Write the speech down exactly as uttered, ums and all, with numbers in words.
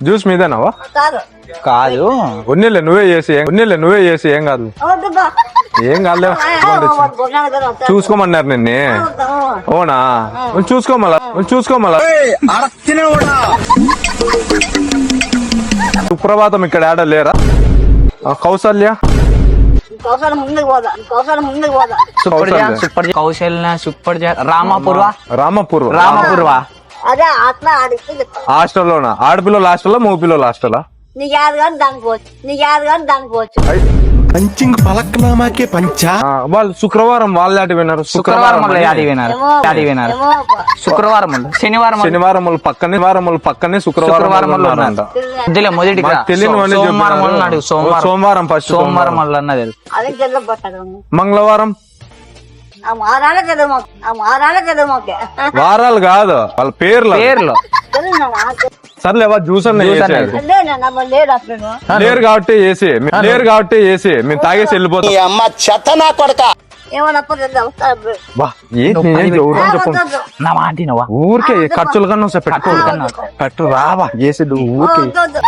Juice మీదేనావా? కాదు కాదు ఉన్నీళ్ళే నువ్వే చేసి ఉన్నీళ్ళే నువ్వే చేసి ఏం కాదు ఏం కాదు చూసుకోమన్నారు నిన్నే. అవునా చూసుకోమలా చూసుకోమలా. సుప్రభాతం ఇక్కడ ఆడ లేరా? కౌసల్య కౌశల్ ముందుకు పోదా కౌశల్ ముందుకు పోదా సుప్పర్జ సుప్పర్జ కౌశల్య సుప్పర్జ రామపూర్వ రామపూర్వ రామపూర్వ అదే అట్లా అడిగితే చెప్తా. హాస్టల్లోనా? ఆడపిల్లలు హాస్టల్లా మూపిల్లలు హాస్టలా? నీకు యాద కానీ దానికి పోవచ్చు నీకు యాద కానీ దానికి పోవచ్చు. పంచింగ్ పలక్నామాకే పంచా. వాళ్ళు శుక్రవారం వాళ్ళు ఆడి విన్నారు. శుక్రవారం వల్ల యాడి వినారు యాడి వినారు ఏమో అబ్బా. శుక్రవారం వల్ల శనివారం వల్ల శనివారం వాళ్ళు పక్కనే వారం వాళ్ళు పక్కనే శుక్రవారం శుక్రవారం వాళ్ళు వల్ల ఉన్నారంట. మధ్యలో మొదటి తెలియని సోమవారం వల్ల అడుగు సోమవారం సోమవారం ఫస్ట్ సోమవారం వల్ల అన్నది అదే చెల్ల పట్టాడు మంగళవారం ఆ మారాలే కదా మాకు ఆ మారాలే కదా మాకు వారాలు కాదు వాళ్ళ పేర్లు పేర్లు సర్లే వా జ్యూస్ అన్న చేసేది. లేడు అప్పుడు లేరు కాబట్టి వేసి లేరు కాబట్టి వేసి మేము తాగేసి వెళ్ళిపోతాం. అమ్మ చెత్త నా కొడక. ఏమన్నా బా ఏంటి నేను ఎవరు చెప్పు నా మాట వినవా? ఊరికే ఖర్చులు కన్నా వస్తాయి. పెట్రోల్ కన్నా పెట్టు రావా వేసి ఊరికే